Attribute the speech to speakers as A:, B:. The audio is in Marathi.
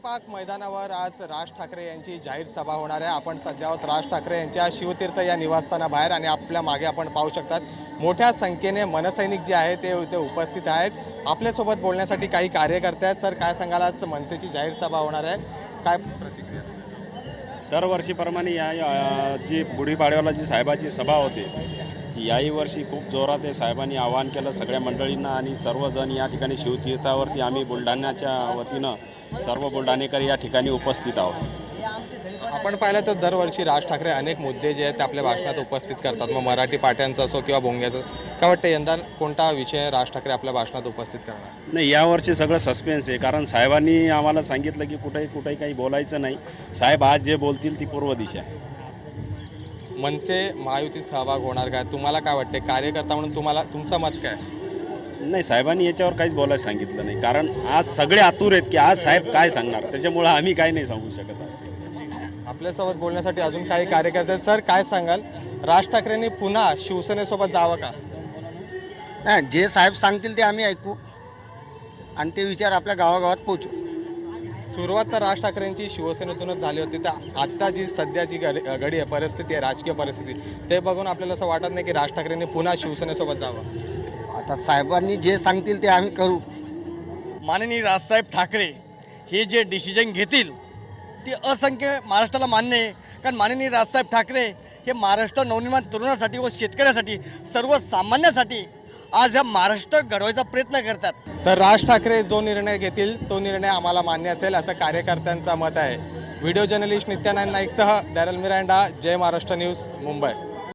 A: पाक मैदानावर आज राज ठाकरे यांची जाहीर सभा होणार आहे। आपण सध्या आहोत राज ठाकरे यांच्या शिवतीर्थ या निवासस्थानाबाहेर आणि आपल्या मागे आपण पाहू शकतात मोठ्या संख्येने मनसैनिक जे आहेत ते इथे उपस्थित आहेत। आपल्यासोबत बोलण्यासाठी काही कार्यकर्ते आहेत। सर, काय सांगाल, आज मनसेची जाहीर सभा होणार आहे, काय प्रतिक्रिया?
B: दरवर्षीप्रमाणे या जी गुढीपाडव्याला जी साहेबाची सभा होते ती याही वर्षी खूप जोरात आहे। साहेबांनी आवाहन केलं सगळ्या मंडळींना आणि सर्वजण या ठिकाणी शिवतीर्थावरती आम्ही बुलढाण्याच्या वतीनं सर्व बुलढाणेकर या ठिकाणी उपस्थित आहोत।
A: आपण पाहिलं तर दरवर्षी राज ठाकरे अनेक मुद्दे जे आहेत ते आपल्या भाषणात उपस्थित करतात, मग मराठी पाट्यांचा असो किंवा भोंग्याचा। काय वाटतं यंदा कोणता विषय राज ठाकरे आपल्या भाषणात उपस्थित करणार?
B: नाही, यावर्षी सगळं सस्पेन्स आहे, कारण साहेबांनी आम्हाला सांगितलं की कुठेही काही बोलायचं नाही। साहेब आज जे बोलतील ती पूर्व दिशा आहे।
A: मनसे महायुतीत सहभाग होणार काय? तुम्हाला काय वाटते कार्यकर्ता म्हणून तुमचं मत काय?
B: नाही, साहेबांनी याच्यावर काहीच बोलायला सांगितलं नाही, कारण आज सगळे आतुर आहेत की आज साहेब काय सांगणार, त्याच्यामुळं आम्ही काही नाही सांगू शकत आहोत।
A: आपल्यासोबत बोलण्यासाठी अजून काही कार्यकर्ते आहेत। सर, काय सांगाल, राज ठाकरेंनी पुन्हा शिवसेनेसोबत जावं का?
C: नाही, जे साहेब सांगतील ते आम्ही ऐकू आणि ते विचार आपल्या गावागावात पोचू।
A: सुरुवात तर राज ठाकरेंची शिवसेनेतूनच झाली होती, तर आत्ता जी सध्याची घडी आहे, परिस्थिती आहे, राजकीय परिस्थिती, ते बघून आपल्याला असं वाटत नाही की राज ठाकरेंनी पुन्हा शिवसेनेसोबत जावं?
C: आता साहेबांनी जे सांगतील ते आम्ही करू।
D: माननीय राजसाहेब ठाकरे हे जे डिसिजन घेतील ते असंख्य महाराष्ट्राला मान्य आहे, कारण माननीय राजसाहेब ठाकरे हे महाराष्ट्र नवनिर्माण तरुणासाठी व शेतकऱ्यासाठी सर्वसामान्यासाठी आज ह्या महाराष्ट्र घडवायचा प्रयत्न करतात।
A: तर राज ठाकरे जो निर्णय घेतील तो निर्णय आम्हाला मान्य असेल असं कार्यकर्त्यांचं मत आहे। व्हिडिओ जर्नलिस्ट नित्यानंद नाईकसह Darryl Miranda, Jai Maharashtra news, Mumbai.